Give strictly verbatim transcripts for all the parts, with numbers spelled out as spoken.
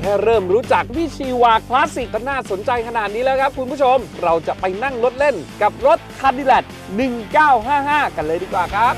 ค่เริ่มรู้จักวิชีวาคลาสสิกก็น่าสนใจขนาดนี้แล้วครับคุณผู้ชมเราจะไปนั่งรถเล่นกับรถ Cadillac หนึ่งเก้าห้าห้า กันเลยดีกว่าครับ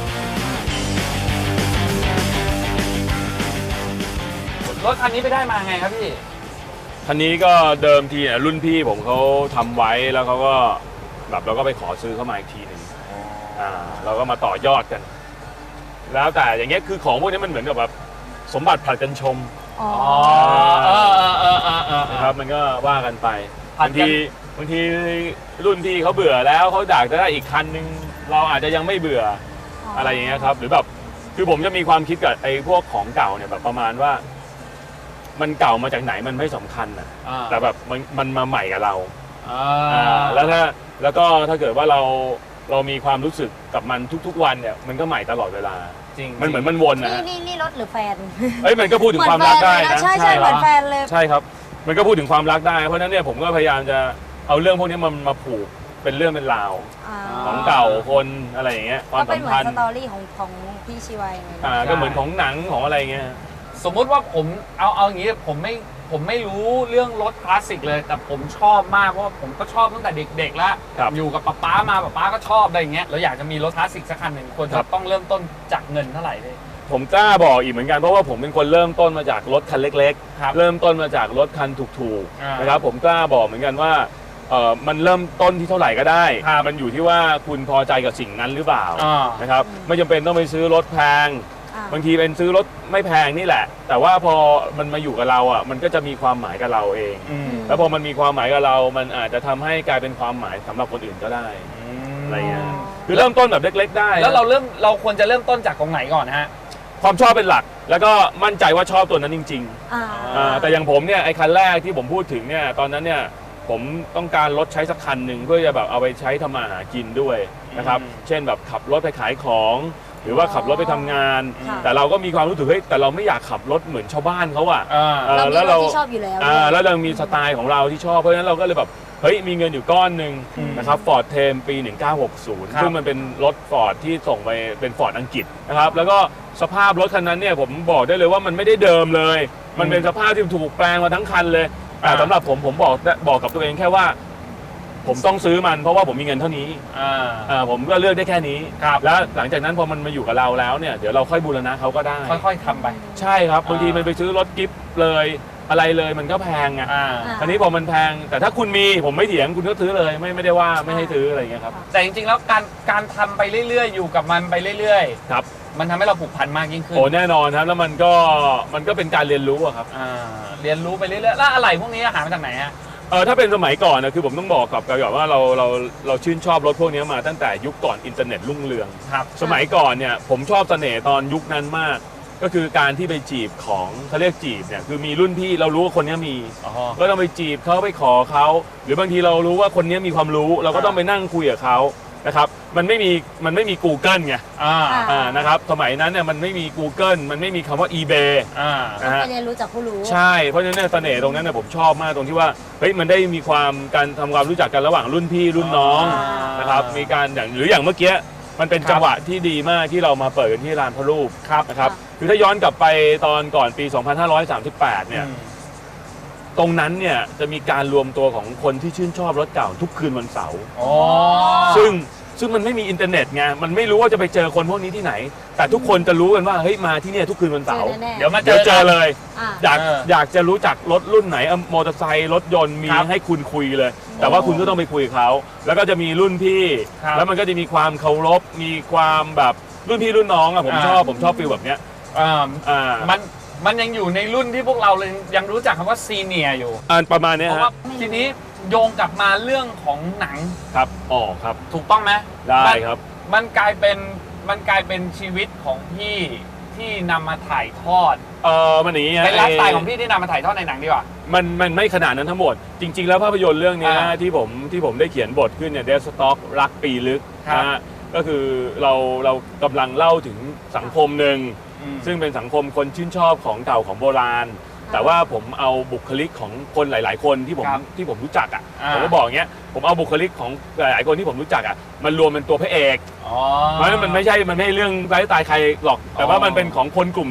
รถคันนี้ไปได้มาไงครับพี่คันนี้ก็เดิมทีเนี่ยรุ่นพี่ผมเขาทำไว้แล้วเขาก็แบบเราก็ไปขอซื้อเข้ามาอีกทีหนึ่งอ่าเราก็มาต่อยอดกัน แล้วแต่อย่างเงี้ยคือของพวกนี้มันเหมือนกับแบบสมบัติผลัดกันชมอ๋อเออเออเออเออเออนะครับมันก็ว่ากันไปบางทีบางทีรุ่นพี่เขาเบื่อแล้วเขาอยากจะได้อีกคันนึงเราอาจจะยังไม่เบื่ออะไรอย่างเงี้ยครับหรือแบบคือผมจะมีความคิดกับไอ้พวกของเก่าเนี่ยแบบประมาณว่ามันเก่ามาจากไหนมันไม่สำคัญอ่ะแต่แบบมันมันมาใหม่กับเราแล้วถ้าแล้วก็ถ้าเกิดว่าเราเรามีความรู้สึกกับมันทุกๆวันเนี่ยมันก็ใหม่ตลอดเวลาจริงมันเหมือนมันวนนะนี่นี่รถหรือแฟนเอ้ยมันก็พูดถึงความรักได้นะใช่ใช่เหมือนแฟนเลยใช่ครับมันก็พูดถึงความรักได้เพราะนั้นเนี่ยผมก็พยายามจะเอาเรื่องพวกนี้มันมาผูกเป็นเรื่องเป็นราวของเก่าคนอะไรอย่างเงี้ยความสัมพันธ์ก็เป็นเหมือนสตอรี่ของของพี่ชีวายอ่าก็เหมือนของหนังของอะไรเงี้ยสมมุติว่าผมเอาเอาอย่างนี้ผมไม่ผมไม่รู้เรื่องรถคลาสสิกเลยแต่ผมชอบมากเพราะว่าผมก็ชอบตั้งแต่เด็กๆแล้วอยู่กับป๊าป๊ามาป๊าป๊าก็ชอบอะไรอย่างเงี้ยเราอยากจะมีรถคลาสสิกสักคันหนึ่งควรจะต้องเริ่มต้นจากเงินเท่าไหร่เลยผมกล้าบอกอีกเหมือนกันเพราะว่าผมเป็นคนเริ่มต้นมาจากรถคันเล็กๆเริ่มต้นมาจากรถคันถูกๆนะครับผมกล้าบอกเหมือนกันว่าเออมันเริ่มต้นที่เท่าไหร่ก็ได้มันอยู่ที่ว่าคุณพอใจกับสิ่งนั้นหรือเปล่านะครับไม่จำเป็นต้องไปซื้อรถแพงบางทีเป็นซื้อรถไม่แพงนี่แหละแต่ว่าพอมันมาอยู่กับเราอ่ะมันก็จะมีความหมายกับเราเองแล้วพอมันมีความหมายกับเรามันอาจจะทำให้กลายเป็นความหมายสำหรับคนอื่นก็ได้อะไรเงี้ยคือเริ่มต้นแบบเล็กๆได้แล้วเราเริ่มเราควรจะเริ่มต้นจากตรงไหนก่อนฮะความชอบเป็นหลักแล้วก็มั่นใจว่าชอบตัวนั้นจริงๆแต่อย่างผมเนี่ยไอ้คันแรกที่ผมพูดถึงเนี่ยตอนนั้นเนี่ยผมต้องการรถใช้สักคันหนึ่งเพื่อจะแบบเอาไปใช้ทำมาหากินด้วยนะครับเช่นแบบขับรถไปขายของหรือว่าขับรถไปทำงานแต่เราก็มีความรู้สึกเฮ้ยแต่เราไม่อยากขับรถเหมือนชาวบ้านเขาอ่ะแล้วเราชอบอยู่แล้วแล้วเรามีสไตล์ของเราที่ชอบเพราะฉะนั้นเราก็เลยแบบเฮ้ยมีเงินอยู่ก้อนหนึ่งนะครับฟอร์ดเทมปีหนึ่งเก้าหกศูนย์ซึ่งมันเป็นรถฟอร์ดที่ส่งไปเป็นฟอร์ดอังกฤษนะครับแล้วก็สภาพรถคันนั้นเนี่ยผมบอกได้เลยว่ามันไม่ได้เดิมเลยมันเป็นสภาพที่ถูกแปลงมาทั้งคันเลยแต่สำหรับผมผมบอกบอกกับตัวเองแค่ว่าผมต้องซื้อมันเพราะว่าผมมีเงินเท่านี้อ่าผมก็เลือกได้แค่นี้แล้วหลังจากนั้นพอมันมาอยู่กับเราแล้วเนี่ยเดี๋ยวเราค่อยบูรณะเขาก็ได้ค่อยๆทำไปใช่ครับบางทีมันไปซื้อรถกิฟต์เลยอะไรเลยมันก็แพงอ่ะคราวนี้พอมันแพงแต่ถ้าคุณมีผมไม่เถียงคุณก็ซื้อเลยไม่ไม่ได้ว่าไม่ให้ซื้ออะไรอย่างเงี้ยครับแต่จริงๆแล้วการการทำไปเรื่อยๆอยู่กับมันไปเรื่อยๆครับมันทำให้เราผูกพันมากยิ่งขึ้นโอ้แน่นอนครับแล้วมันก็มันก็เป็นการเรียนรู้อะครับเรียนรู้ไปเรื่อยๆแล้วอะไรพวกนี้หามาจากไหนฮะเออถ้าเป็นสมัยก่อนนะคือผมต้องบอกกับกับว่าเราเราเราชื่นชอบรถพวกนี้มาตั้งแต่ยุคก่อนอินเทอร์เน็ตรุ่งเรืองครับสมัยก่อนเนี่ยผมชอบเสน่ห์ตอนยุคนั้นมากก็คือการที่ไปจีบของเขาเรียกจีบเนี่ยคือมีรุ่นพี่เรารู้ว่าคนนี้มีก็ต้องไปจีบเขาไปขอเขาหรือบางทีเรารู้ว่าคนนี้มีความรู้เราก็ต้องไปนั่งคุยกับเขานะครับมันไม่มีมันไม่มี Google ไงอ่าอ่านะครับสมัยนั้นเนี่ยมันไม่มี Google มันไม่มีคำว่า eBay อ่านะฮะเรียนรู้จากผู้รู้ใช่เพราะฉะนั้นเสน่ห์ตรงนั้นเนี่ยผมชอบมากตรงที่ว่าเฮ้ยมันได้มีความการทำความรู้จักกันระหว่างรุ่นพี่รุ่นน้องนะครับมีการอย่างหรืออย่างเมื่อกี้มันเป็นจังหวะที่ดีมากที่เรามาเปิดกันที่ลานพระรูปนะครับคือถ้าย้อนกลับไปตอนก่อนปีสองพันห้าร้อยสามสิบแปดเนี่ยตรงนั้นเนี่ยจะมีการรวมตัวของคนที่ชื่นชอบรถเก่าทุกคืนวันเสาร์ซึ่งซึ่งมันไม่มีอินเทอร์เน็ตไงมันไม่รู้ว่าจะไปเจอคนพวกนี้ที่ไหนแต่ทุกคนจะรู้กันว่าเฮ้ยมาที่นี่ทุกคืนวันเสาร์เดี๋ยวมาเจอเจอเลยอยากอยากจะรู้จักรถรุ่นไหนมอเตอร์ไซค์รถยนต์มีให้คุณคุยเลยแต่ว่าคุณก็ต้องไปคุยกับเขาแล้วก็จะมีรุ่นพี่แล้วมันก็จะมีความเคารพมีความแบบรุ่นพี่รุ่นน้องอะผมชอบผมชอบฟีลแบบเนี้ยอ่าอ่ามันมันยังอยู่ในรุ่นที่พวกเราเลยยังรู้จักคำว่าซีเนียร์อยู่อ่าประมาณนี้ฮะทีนี้โยงกลับมาเรื่องของหนังครับอ๋อครับถูกต้องไหมได้ครับมันกลายเป็นมันกลายเป็นชีวิตของพี่ที่นำมาถ่ายทอดเออมันอย่างนี้เป็นไลฟ์สไตล์ของพี่ที่นำมาถ่ายทอดในหนังดีกว่ามันมันไม่ขนาดนั้นทั้งหมดจริงๆแล้วภาพยนตร์เรื่องนี้ที่ผมที่ผมได้เขียนบทขึ้นเนี่ยเดสต็อกรักปีลึกนะฮะก็คือเราเรากำลังเล่าถึงสังคมหนึ่งซึ่งเป็นสังคมคนชื่นชอบของเก่าของโบราณแต่ว่าผมเอาบุคลิกของคนหลายๆคนที่ผมที่ผมรู้จักอ่ะผมก็บอกอย่างเงี้ยผมเอาบุคลิกของหลายๆคนที่ผมรู้จักอ่ะมันรวมเป็นตัวพระเอกเพราะฉะนั้นมันไม่ใช่มันไม่ใช่เรื่องไร้ตายใครหรอกแต่ว่ามันเป็นของคนกลุ่มเนี้ย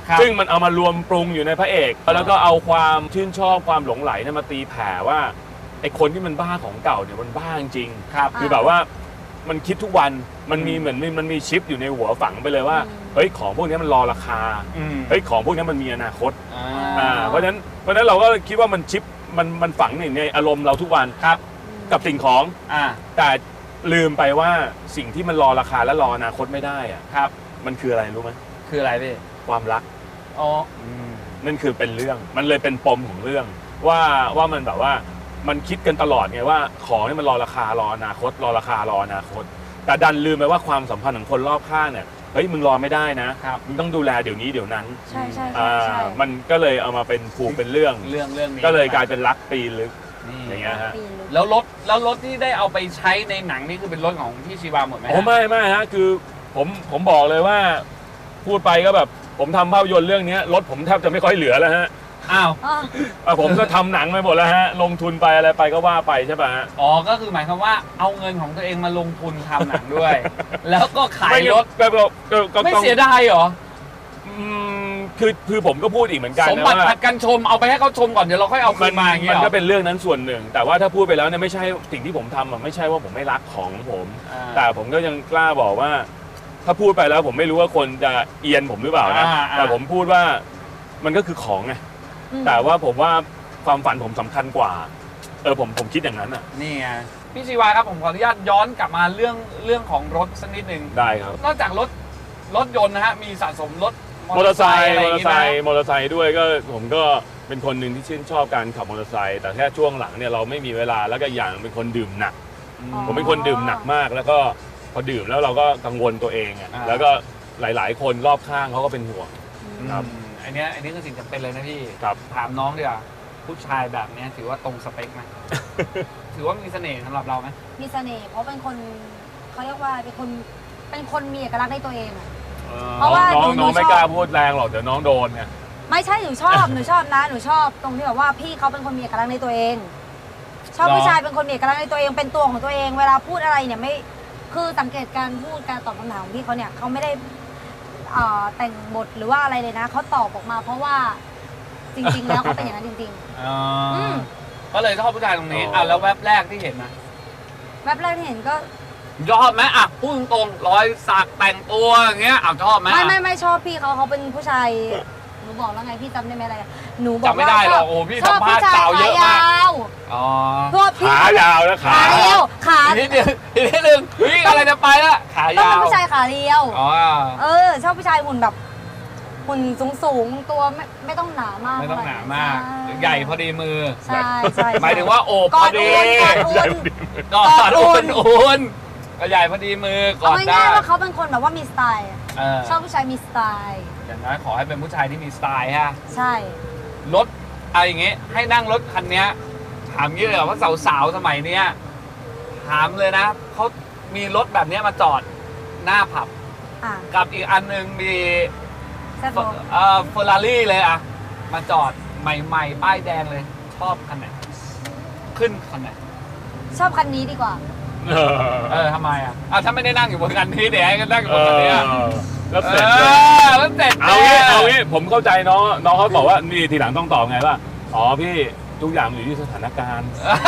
ครับซึ่งมันเอามารวมปรุงอยู่ในพระเอกแล้วก็เอาความชื่นชอบความหลงไหลเนี่ยมาตีแผ่ว่าไอ้คนที่มันบ้าของเก่าเนี่ยมันบ้าจริงครับคือแบบว่ามันคิดทุกวันมันมีเหมือนมันมีชิปอยู่ในหัวฝังไปเลยว่าเฮ้ยของพวกนี้มันรอราคาอืมเฮ้ยของพวกนี้มันมีอนาคตอ่าอ่าเพราะฉะนั้นเพราะฉะนั้นเราก็คิดว่ามันชิปมันมันฝังอยู่ในอารมณ์เราทุกวันครับกับสิ่งของอ่าแต่ลืมไปว่าสิ่งที่มันรอราคาและรออนาคตไม่ได้อะครับมันคืออะไรรู้ไหมคืออะไรพี่ความรักอ๋อนั่นคือเป็นเรื่องมันเลยเป็นปมของเรื่อง ว่าว่ามันแบบว่ามันคิดกันตลอดไงว่าของนี่มันรอราคารออนาคต รอราคารออนาคต แต่ดันลืมไปว่าความสัมพันธ์ของคนรอบข้างเนี่ยเฮ้ยมึงรอไม่ได้นะครับ มึงต้องดูแลเดี๋ยวนี้เดี๋ยวนั้นใช่ใช่อ่ใช่ใช่ามันก็เลยเอามาเป็นผูกเป็นเรื่องเรื่องเรื่องนี้ก็เลยกลายเป็นรักปีลึกนี่อย่างเงี้ยฮะปีลึกแล้วรถแล้วรถที่ได้เอาไปใช้ในหนังนี่คือเป็นรถของพี่ชีวาหมดไหมฮะโอ้ไม่ไม่ฮะคือผมผมบอกเลยว่าพูดไปก็แบบผมทำภาพยนตร์เรื่องนี้รถผมแทบจะไม่ค่อยเหลือแล้วฮะอ้าวอ๋ออ่ะผมก็ทำหนังไปหมดแล้วฮะลงทุนไปอะไรไปก็ว่าไปใช่ป่ะฮะอ๋อก็คือหมายความว่าเอาเงินของตัวเองมาลงทุนทำหนังด้วย แล้วก็ขายรถก็ก็ก็ก็ไม่ต้องเสียดายเหรออืมคือคือผมก็พูดอีกเหมือนกันสมนะบัติว่าผัดกันชมเอาไปให้เขาชมก่อนเดี๋ยวเราค่อยเอาคืมันนมาอย่างเงี้มัยนเหรก็อเป็นเรื่องนั้นส่วนหนึ่ง แต่ว่าถ้าพูดไปแล้วเนี่ยไม่ใช่สิ่งที่ผมทำอะไม่ใช่ว่าผมไม่รักของผมอ่าแต่ผมก็ยังกล้าบอกว่า ถ้าพูดไปแล้วผมไม่รู้ว่าคนจะเอียนผมหรือเปล่านะอ่าอ่าแต่ผมพูดว่ามันก็คือของไงอืมแต่ว่าผมว่าความฝันผมสำคัญกว่า เออผมผมคิดอย่างนั้นอ่ะนี่ไงพี่ชีวาครับผมขออนุญาตย้อนกลับมาเรื่องเรื่องของรถสักนิดหนึ่งได้ครับนอกจากรถรถยนต์นะฮะมีสะสมรถมอเตอร์ไซค์อะไรมออย่าง เตอร์งี้ไซไหมค์มอเตอร์ไซค์ด้วยก็ผมก็เป็นคนหนึ่งที่ชื่นชอบการขับมอเตอร์ไซค์แต่แค่ช่วงหลังเนี่ยเราไม่มีเวลาแล้วก็อย่างเป็นคนดื่มหนักอ๋อผมเป็นคนดื่มหนักมาก แล้วก็พอดื่มแล้วเราก็กังวลตัวเองอ่ะอ่าแล้วก็หลาย ๆ คนรอบข้างเขาก็เป็นห่วง ครับอืมอันเนี้ยอันนี้คือสิ่งจำเป็นเลยนะพี่ครับถามน้องดีกว่าผู้ชายแบบเนี้ยถือว่าตรงสเปค ไหม ถือว่ามีเสน่ห์สำหรับเราไหมมีเสน่ห์เพราะเป็นคนเขาเรียกว่าเป็นคนเป็นคนมีเอกลักษณ์ในตัวเองอะ เพราะว่าน้องหนูน้องไม่ชอบกล้าพูดแรงหรอกเดี๋ยวน้องโดนไงไม่ใช่หนูชอบ หนูชอบนะหนูชอบตรงที่แบบว่าพี่เขาเป็นคนมีเอกลักษณ์ในตัวเอง ชอบหรอผู้ชายเป็นคนมีเอกลักษณ์ในตัวเองเป็นตัวของตัวเอง เวลาพูดอะไรเนี่ยไม่คือสังเกตการพูดการตอบคำถามของพี่เขาเนี่ยเขาไม่ได้เอ่อแต่งบทหรือว่าอะไรเลยนะเขาตอบออกมา เพราะว่าจริง ๆ แล้วเขาเป็นอย่างนั้นจริงอ๋อออืมก็เลยชอบผู้ชายตรงนี้อ่ะแล้วแวบแรกที่เห็นนะๆแวบแรกที่เห็นก็ชอบไหมอ่ะพูดตรงๆรอยสักแต่งตัวอย่างเงี้ยอ่ะชอบไหมไม่อ่ะไม่ไม่ชอบพี่เขาเขาเป็นผู้ชายหนูบอกแล้วไงพี่จำได้ไหมอะไรหนูบอกจำไม่ว่าได้หรอกชบโอ้พี่ชอบสัมภาผู้ษณ์ชายสาวเยขาอะมากยาวอ๋อพวกพี่ขายาวนะขาขาเรียวขาอีกนิดเดียวอีกนิดนึงวิ่งอะไรจะไปละขาต้องยาเป็นวผู้ชายขาเรียวอ๋อเออชอบผู้ชายหุ่นแบบหุ่นสูงสูงๆตัวไม่ไม่ต้องหนามากไม่ต้องหนามากใช่ใหญ่พอดีมือใช่ใช่หมายถึงว่าโอบกพออดดีอุ่นกอดอุ่นกอดกอดอุ่อุ่นนอุ่นก็ใหญ่พอดีมือกอเอาดได้ง่ายๆว่าเขาเป็นคนแบบว่ามีสไตล์เออชอบผู้ชายมีสไตล์อย่างน้อยขอให้เป็นผู้ชายที่มีสไตล์ฮะใช่รถอะไรอย่างเงี้ยให้นั่งรถคันเนี้ยถามงี้เลยเหรอว่าสาวๆสมัยเนี้ยถามเลยนะเขามีรถแบบเนี้ยมาจอดหน้าผับอ่ะกับอีกอันหนึงมีแซ่บโบเอ่อเฟอร์รารี่เลยอะมาจอดใหม่ๆป้ายแดงเลย ชอบคันไหนขึ้นคันไหนชอบคันนี้ดีกว่าเออเออทำไมอะอ่ะถ้าไม่ได้นั่งอยู่บนคันนี้เดี๋ยวให้กันนั่งอยู่เอบนคันนี้ออะแล้วเอเสร็จอแล้วเสร็จเอางี้เอางี้ผมเข้าใจน้องน้องเขาบอกว่านี่ทีหลังต้องตอบไงว่าอ๋อพี่ทุกอย่างมันอยู่ที่สถานการณ์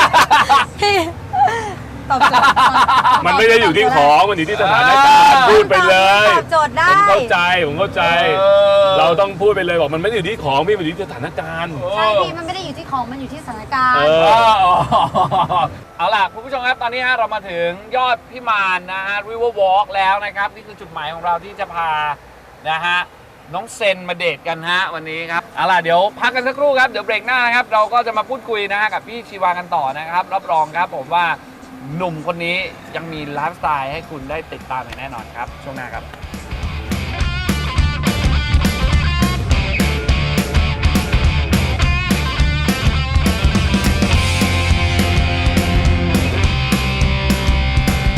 ตอบโจทย์ตอบมันไม่ได้อยู่ที่ของมันอยู่ที่สถานการณ์พูดไปเลยตอบโจทย์ได้ผมเข้าใจผมเข้าใจเออเราต้องพูดไปเลยบอกมันไม่ได้อยู่ที่ของพี่มันอยู่ที่สถานการณ์ใช่พี่มันไม่ได้อยู่ที่ของมันอยู่ที่สถานการเอณ์อเออเอาล่ะคุณผู้ชมครับตอนนี้ฮะเรามาถึงยอดพิมานนะฮะ River Walk แล้วนะครับนี่คือจุดหมายของเราที่จะพานะฮะน้องเซนมาเดทกันฮะวันนี้ครับเอาล่ะเดี๋ยวพักกันสักครู่ครับเดี๋ยวเบรกหน้านะครับเราก็จะมาพูดคุยนะฮะกับพี่ชีวากันต่อนะครับรับรองครับผมว่าหนุ่มคนนี้ยังมีไลฟ์สไตล์ให้คุณได้ติดตามอย่างแน่นอนครับช่วงหน้าครับ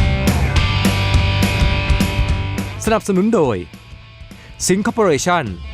สนับสนุนโดย Sing Corporation